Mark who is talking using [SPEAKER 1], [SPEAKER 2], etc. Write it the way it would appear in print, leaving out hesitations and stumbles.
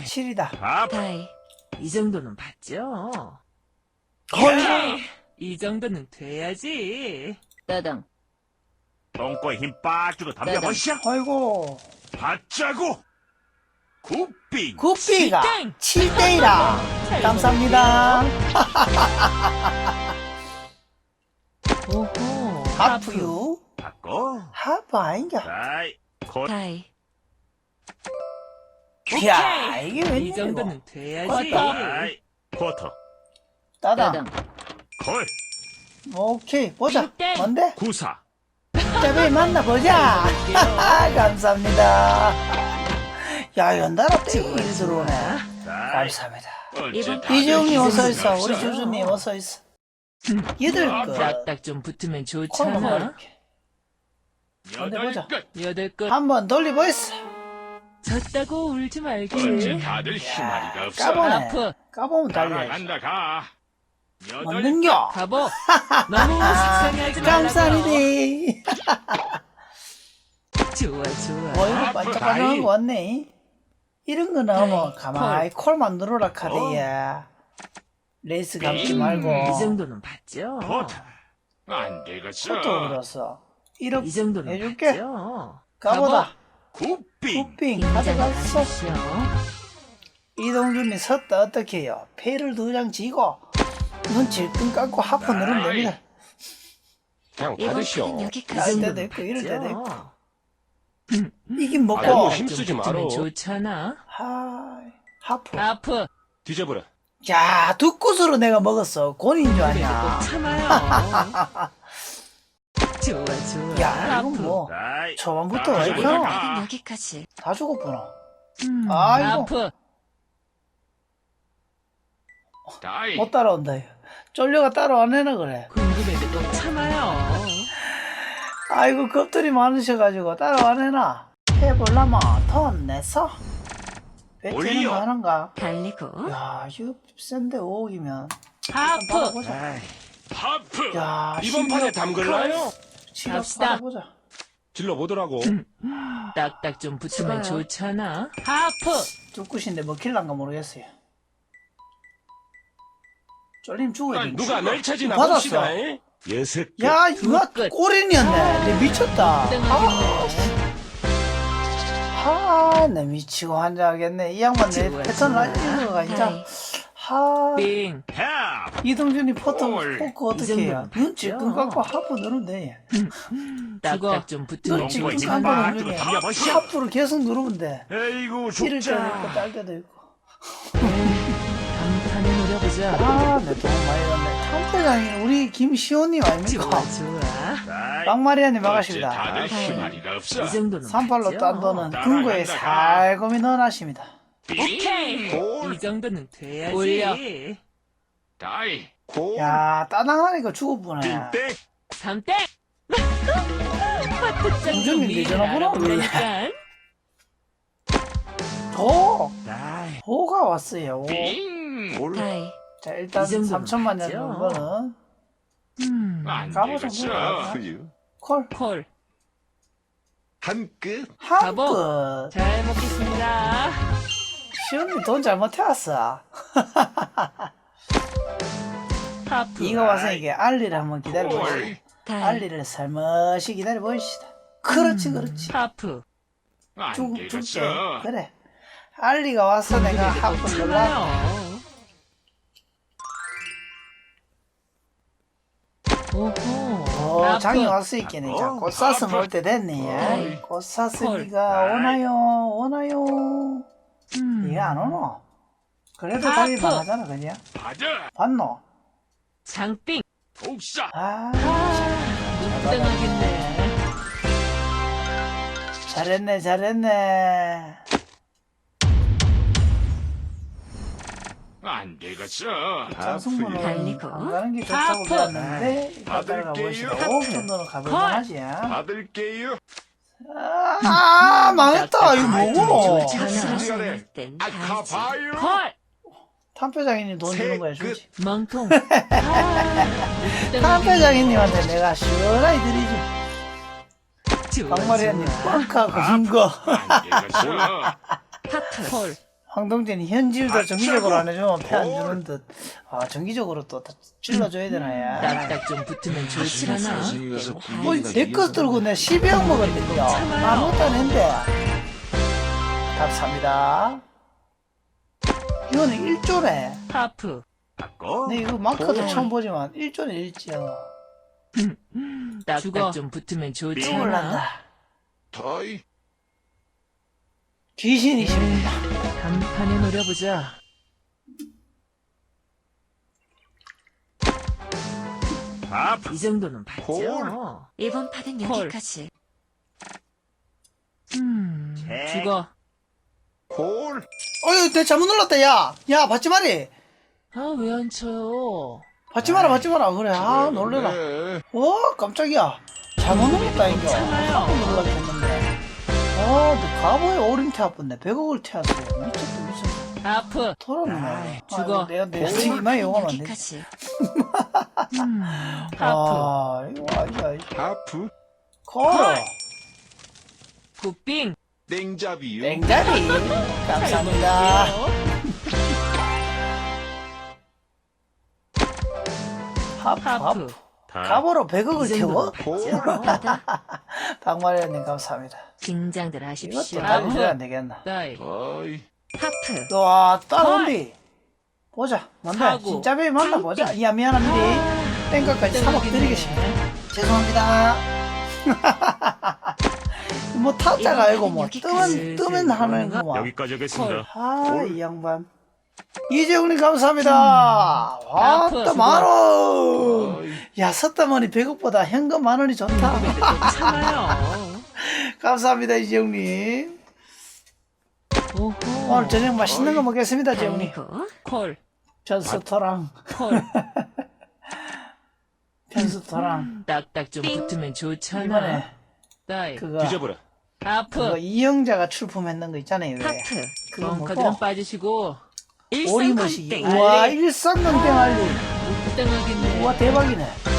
[SPEAKER 1] 7이다.
[SPEAKER 2] 밥.
[SPEAKER 3] 다이. 이 정도는 봤죠?
[SPEAKER 1] 헐.
[SPEAKER 3] 이 정도는 돼야지. 따당.
[SPEAKER 2] 똥꼬에 힘 빡 주고 덤벼보시오.
[SPEAKER 1] 아이고.
[SPEAKER 2] 받자고. 굿빙.
[SPEAKER 1] 구피가
[SPEAKER 3] 칠땡.
[SPEAKER 1] 7대이라.
[SPEAKER 3] 잘
[SPEAKER 1] 감사합니다.
[SPEAKER 3] 오호.
[SPEAKER 1] 하프유.
[SPEAKER 2] 받고.
[SPEAKER 1] 하프 아닌가?
[SPEAKER 2] 다이. 콧.
[SPEAKER 3] 다이.
[SPEAKER 1] 이야, 이게
[SPEAKER 3] 이
[SPEAKER 1] 웬일이고.
[SPEAKER 3] 정도는 돼야지.
[SPEAKER 2] 다이. 쿼터.
[SPEAKER 1] 따당.
[SPEAKER 2] 콜.
[SPEAKER 1] 오케이, 보자.
[SPEAKER 3] 칠땡.
[SPEAKER 1] 뭔데?
[SPEAKER 2] 구사.
[SPEAKER 1] 자배 만나보자. 감사합니다. 야, 연달아 땡이 들어오네.
[SPEAKER 2] 다이.
[SPEAKER 1] 감사합니다.
[SPEAKER 3] 이번
[SPEAKER 1] 이재용님 어서
[SPEAKER 3] 이재용님
[SPEAKER 1] 있어. 우리
[SPEAKER 3] 없어요.
[SPEAKER 1] 주주님 어서 있어. 여덟 것.
[SPEAKER 3] 딱딱 좀 붙으면
[SPEAKER 1] 콜
[SPEAKER 3] 좋잖아.
[SPEAKER 1] 먹을게. 어디 보자.
[SPEAKER 3] 여덟 것
[SPEAKER 1] 한번 돌려보이스.
[SPEAKER 3] 졌다고 울지
[SPEAKER 2] 어째
[SPEAKER 3] 말기.
[SPEAKER 2] 다들 희마리가 없어.
[SPEAKER 1] 까보네.
[SPEAKER 3] 아프.
[SPEAKER 1] 까보면 달려.
[SPEAKER 2] 간다 가.
[SPEAKER 1] 먹는겨.
[SPEAKER 3] 가보. 너무 속상해하지 말라고.
[SPEAKER 1] 감사리네.
[SPEAKER 3] 좋아 좋아.
[SPEAKER 1] 이거 반짝반짝한 거 왔네. 이런 거 나오면 가만히 콜만 누르라 카드야. 레이스 감지 말고.
[SPEAKER 3] 이 정도는 봤죠?
[SPEAKER 2] 콧. 안 되겠어.
[SPEAKER 1] 포토 그렸어.
[SPEAKER 3] 이
[SPEAKER 1] 1억
[SPEAKER 3] 정도는
[SPEAKER 1] 해줄게.
[SPEAKER 3] 봤죠?
[SPEAKER 1] 가보다.
[SPEAKER 2] 굿빙.
[SPEAKER 1] 굿빙 가져갔어.
[SPEAKER 3] 긴장하십시오.
[SPEAKER 1] 이동준이 섰다 어떻게 해요? 패를 2장 지고 눈 질끈 감고 하프 누르면 됩니다.
[SPEAKER 4] 그냥
[SPEAKER 3] 이번
[SPEAKER 4] 받으시오.
[SPEAKER 3] 판은
[SPEAKER 1] 날
[SPEAKER 3] 여기까지.
[SPEAKER 1] 때도 있고 이럴 때도 있고.
[SPEAKER 3] 있고.
[SPEAKER 1] 이긴 먹고.
[SPEAKER 4] 아이고, 힘쓰지
[SPEAKER 3] 좀 붙으면
[SPEAKER 4] 마라.
[SPEAKER 3] 좋잖아.
[SPEAKER 1] 하프.
[SPEAKER 3] 아프.
[SPEAKER 4] 뒤져버려.
[SPEAKER 1] 야, 두 굿으로 내가 먹었어. 곤인 줄
[SPEAKER 3] 그래도
[SPEAKER 1] 아냐.
[SPEAKER 3] 꼭 참아요. 좋아 좋아.
[SPEAKER 1] 야, 이건 뭐
[SPEAKER 2] 다이.
[SPEAKER 1] 초반부터
[SPEAKER 2] 나
[SPEAKER 1] 왜
[SPEAKER 2] 가져보자.
[SPEAKER 1] 이렇게
[SPEAKER 2] 가.
[SPEAKER 3] 여기까지.
[SPEAKER 1] 다 죽었구나. 아이고.
[SPEAKER 3] 아프.
[SPEAKER 2] 다이.
[SPEAKER 1] 못 따라온다. 이거. 쫄려가 따라와 내나 그래.
[SPEAKER 3] 궁금해도 꼭 참아요.
[SPEAKER 1] 아이고 겁들이 많으셔가지고 따라와 내나. 해볼라마 돈 내서. 배치는
[SPEAKER 2] 올려.
[SPEAKER 1] 거 하는가?
[SPEAKER 3] 달리고.
[SPEAKER 1] 야, 이거 센데 5억이면.
[SPEAKER 3] 아프.
[SPEAKER 1] 받아보자.
[SPEAKER 2] 다이. 하프.
[SPEAKER 1] 야,
[SPEAKER 4] 이번 판에 담글라요?
[SPEAKER 1] 갑시다. 받아보자.
[SPEAKER 4] 질러보더라고.
[SPEAKER 3] 딱딱 좀
[SPEAKER 1] 좋아요.
[SPEAKER 3] 붙으면 좋잖아. 아프.
[SPEAKER 1] 두 굿인데 먹힐란가 모르겠어요. 쫄림 죽어야 돼.
[SPEAKER 4] 누가 널 찾이나
[SPEAKER 1] 받았어.
[SPEAKER 4] 봅시다. 잉?
[SPEAKER 2] 여섯 개.
[SPEAKER 1] 야, 이거
[SPEAKER 3] 끝.
[SPEAKER 1] 꼬린이었네. 내 미쳤다.
[SPEAKER 3] 땡하겠네.
[SPEAKER 1] 나 미치고 환장하겠네. 이 양반 내
[SPEAKER 3] 좋아,
[SPEAKER 1] 패턴을
[SPEAKER 3] 좋아.
[SPEAKER 1] 알리는 거가 진짜.
[SPEAKER 3] 다이.
[SPEAKER 1] 빙.
[SPEAKER 3] 빙.
[SPEAKER 2] 햅.
[SPEAKER 1] 이동준이 포토
[SPEAKER 2] 헐.
[SPEAKER 1] 포크
[SPEAKER 3] 이
[SPEAKER 1] 어떻게 해요?
[SPEAKER 3] 정도는
[SPEAKER 1] 눈 질끈
[SPEAKER 3] 맞죠?
[SPEAKER 1] 갖고 하프 누르면 돼.
[SPEAKER 3] 딱딱 좀 붙으면
[SPEAKER 1] 눈
[SPEAKER 2] 똥꼬에
[SPEAKER 1] 질끈
[SPEAKER 2] 힘
[SPEAKER 1] 감고
[SPEAKER 2] 빡
[SPEAKER 1] 누르면
[SPEAKER 2] 주고
[SPEAKER 1] 돼.
[SPEAKER 2] 덤벼보시오.
[SPEAKER 1] 하프를 계속 누르면 돼.
[SPEAKER 2] 에이구
[SPEAKER 1] 이럴 때도
[SPEAKER 2] 죽자.
[SPEAKER 1] 있고 딸 때도 있고.
[SPEAKER 3] 간판에 노려보자.
[SPEAKER 1] 내 돈 많이 넣네. 탐태장이 우리 김시호님
[SPEAKER 3] 좋아
[SPEAKER 1] 아닙니까?
[SPEAKER 3] 좋아.
[SPEAKER 2] 다이.
[SPEAKER 1] 빵마리아님
[SPEAKER 2] 어째
[SPEAKER 1] 반갑습니다.
[SPEAKER 2] 다들
[SPEAKER 3] 다이.
[SPEAKER 2] 희마리가 없어.
[SPEAKER 3] 이 정도는
[SPEAKER 1] 38로
[SPEAKER 3] 맞죠?
[SPEAKER 1] 딴 돈은
[SPEAKER 2] 따라간다,
[SPEAKER 1] 금고에
[SPEAKER 2] 가.
[SPEAKER 1] 살금이 넣어놨습니다.
[SPEAKER 3] 오케이.
[SPEAKER 2] 골.
[SPEAKER 3] 이 정도는 돼야지.
[SPEAKER 1] 올려.
[SPEAKER 2] 다이.
[SPEAKER 1] 야, 따당하니까 죽어보네.
[SPEAKER 2] 빙땡.
[SPEAKER 3] 3땡. 화투장
[SPEAKER 1] 공정님
[SPEAKER 3] 좀 미리
[SPEAKER 1] 내전화구나,
[SPEAKER 3] 알아보니까.
[SPEAKER 1] 도!
[SPEAKER 2] 다이.
[SPEAKER 1] 도가 왔어요.
[SPEAKER 2] 빙. 올.
[SPEAKER 3] 다이.
[SPEAKER 1] 자, 일단
[SPEAKER 3] 이 정도는
[SPEAKER 1] 3천만 년
[SPEAKER 3] 맞죠?
[SPEAKER 1] 정도는
[SPEAKER 2] 안
[SPEAKER 1] 가보자,
[SPEAKER 2] 되겠어.
[SPEAKER 1] 뭐야.
[SPEAKER 5] 후유
[SPEAKER 1] 콜.
[SPEAKER 3] 콜.
[SPEAKER 5] 한 끝.
[SPEAKER 1] 한
[SPEAKER 3] 가보.
[SPEAKER 1] 끝.
[SPEAKER 3] 잘 먹겠습니다.
[SPEAKER 1] 시온이 돈 잘못해왔어.
[SPEAKER 3] 하프.
[SPEAKER 1] 이거 와서 이게 알리를 한번 기다려보시다.
[SPEAKER 2] 콜.
[SPEAKER 3] 다이.
[SPEAKER 1] 알리를 살며시 기다려보시다. 그렇지, 그렇지.
[SPEAKER 3] 하프.
[SPEAKER 2] 안
[SPEAKER 1] 줄게.
[SPEAKER 2] 되겠어.
[SPEAKER 1] 그래. 알리가 와서 내가 하프 놀라.
[SPEAKER 3] 참아요. 오호. 하프.
[SPEAKER 1] 장이 왔어 있겠네. 자, 꽃 사슴 올 때 됐네. 꽃 사슴이가
[SPEAKER 2] 콜.
[SPEAKER 1] 오나요? 오나요? 이게 안 오노? 그래도
[SPEAKER 3] 하프.
[SPEAKER 1] 달릴만 하잖아, 그냥.
[SPEAKER 2] 받아.
[SPEAKER 1] 봤노?
[SPEAKER 3] 장빙.
[SPEAKER 2] 독사.
[SPEAKER 1] 아,
[SPEAKER 3] 땡하겠네.
[SPEAKER 1] 잘했네, 잘했네.
[SPEAKER 2] 안 되겠어.
[SPEAKER 1] 장승문은
[SPEAKER 3] 달리고.
[SPEAKER 1] 안 가는 게 좋다고
[SPEAKER 3] 하프.
[SPEAKER 1] 배웠는데 이따 따라가
[SPEAKER 2] 받을게요.
[SPEAKER 1] 보시다. 5억 정도는 가볼만하지.
[SPEAKER 2] 받을게요.
[SPEAKER 1] 망했다. 이거 뭐고?
[SPEAKER 2] 시간에 아카바요.
[SPEAKER 3] 콜.
[SPEAKER 1] 탐표장인님 돈 주는 거야, 주지.
[SPEAKER 3] 멍통.
[SPEAKER 1] 탐표장인님한테 내가 시원하게 드리지.
[SPEAKER 3] 좋아,
[SPEAKER 1] 박마리아님,
[SPEAKER 3] 좋아.
[SPEAKER 1] 빵카 건 거.
[SPEAKER 2] 안 되겠어.
[SPEAKER 3] 하트. 콜.
[SPEAKER 1] 황동진이 현질도 정기적으로 안 해주면 패 안 주는 듯. 아, 정기적으로 또 찔러줘야 되나, 야.
[SPEAKER 3] 딱딱 좀 붙으면 좋지 않아?
[SPEAKER 1] 뭐, 내거 들고 내 12억 먹었는데요. 아무것도 안 했는데. 답 삽니다. 이거는 1조네.
[SPEAKER 3] 하프.
[SPEAKER 2] 바꿔.
[SPEAKER 1] 내 이거 마크도 처음 보지만 1조네, 1조.
[SPEAKER 3] 딱딱 좀 붙으면 좋지
[SPEAKER 1] 똥을
[SPEAKER 3] 않아?
[SPEAKER 1] 난다.
[SPEAKER 5] 더이.
[SPEAKER 1] 귀신이십니다.
[SPEAKER 3] 간판에 노려보자.
[SPEAKER 2] 하프.
[SPEAKER 3] 이 정도는 봤죠?
[SPEAKER 5] 콜.
[SPEAKER 6] 이번 판은
[SPEAKER 3] 콜.
[SPEAKER 6] 여기까지.
[SPEAKER 3] 죽어.
[SPEAKER 5] 콜.
[SPEAKER 1] 어휴, 내 잘못 눌렀다, 야. 야, 받지 마리.
[SPEAKER 3] 아, 왜 안 쳐요?
[SPEAKER 1] 받지 마라, 받지 마라. 그래, 아, 놀래라.
[SPEAKER 5] 네.
[SPEAKER 1] 깜짝이야. 잘못 눌렀다, 인겨.
[SPEAKER 3] 참아요.
[SPEAKER 1] 눌렀다 했는데. 너 가보에 오린 태웠네. 100억을 태웠어요. 미쳤다, 미쳤다.
[SPEAKER 3] 하프.
[SPEAKER 1] 돌았네.
[SPEAKER 3] 죽어.
[SPEAKER 1] 내가 이만 용하면 안 되지.
[SPEAKER 6] 여기까지.
[SPEAKER 3] 하프.
[SPEAKER 1] 아, 이거 아니야.
[SPEAKER 5] 하프.
[SPEAKER 1] 걸어.
[SPEAKER 3] 굿빙.
[SPEAKER 5] 냉잡이요.
[SPEAKER 1] 냉자리. 감사합니다. 하프.
[SPEAKER 3] 하프.
[SPEAKER 1] 가보로 100억을 태워?
[SPEAKER 5] 콜.
[SPEAKER 1] 박마리아님 감사합니다.
[SPEAKER 6] 긴장들
[SPEAKER 1] 이것도
[SPEAKER 6] 하십시오.
[SPEAKER 1] 달려줘야 안 되겠나.
[SPEAKER 3] 다이.
[SPEAKER 5] 더이.
[SPEAKER 6] 하프.
[SPEAKER 1] 와, 따라온디. 보자. 뭔데?
[SPEAKER 3] 하고.
[SPEAKER 1] 진짜 배이 만나 보자. 야, 미안합니다. 땡까지 3억 드리겠습니다. 죄송합니다. 뭐 타짜가 아니고 뭐 뜨면 하는 거 뭐.
[SPEAKER 2] 여기까지 하겠습니다.
[SPEAKER 1] 아, 이 양반. 이재훈님 감사합니다. 와,
[SPEAKER 3] 아프,
[SPEAKER 1] 또
[SPEAKER 3] 수고.
[SPEAKER 1] 만원.
[SPEAKER 5] 더이.
[SPEAKER 1] 야, 섰다머니 100억보다 현금 만원이 좋다.
[SPEAKER 3] 참아요.
[SPEAKER 1] 감사합니다, 이재훈님.
[SPEAKER 3] 오호.
[SPEAKER 1] 오늘 저녁 맛있는 거 먹겠습니다, 재훈님.
[SPEAKER 6] 아이고.
[SPEAKER 3] 콜.
[SPEAKER 1] 편스토랑,
[SPEAKER 3] 콜.
[SPEAKER 1] 편스토랑.
[SPEAKER 3] 딱딱 좀 붙으면 좋잖아.
[SPEAKER 1] 이번에
[SPEAKER 3] 다이.
[SPEAKER 1] 그거
[SPEAKER 4] 뒤져보라.
[SPEAKER 3] 하프.
[SPEAKER 1] 이영자가 출품했는 거 있잖아요. 왜?
[SPEAKER 6] 하프.
[SPEAKER 1] 그거
[SPEAKER 3] 벙커들은
[SPEAKER 1] 뭐고?
[SPEAKER 3] 빠지시고.
[SPEAKER 1] 오리무시.
[SPEAKER 6] 일성건땡.
[SPEAKER 1] 우와, 일상건땡 알리.
[SPEAKER 3] 땡하겠네.
[SPEAKER 1] 우와, 대박이네.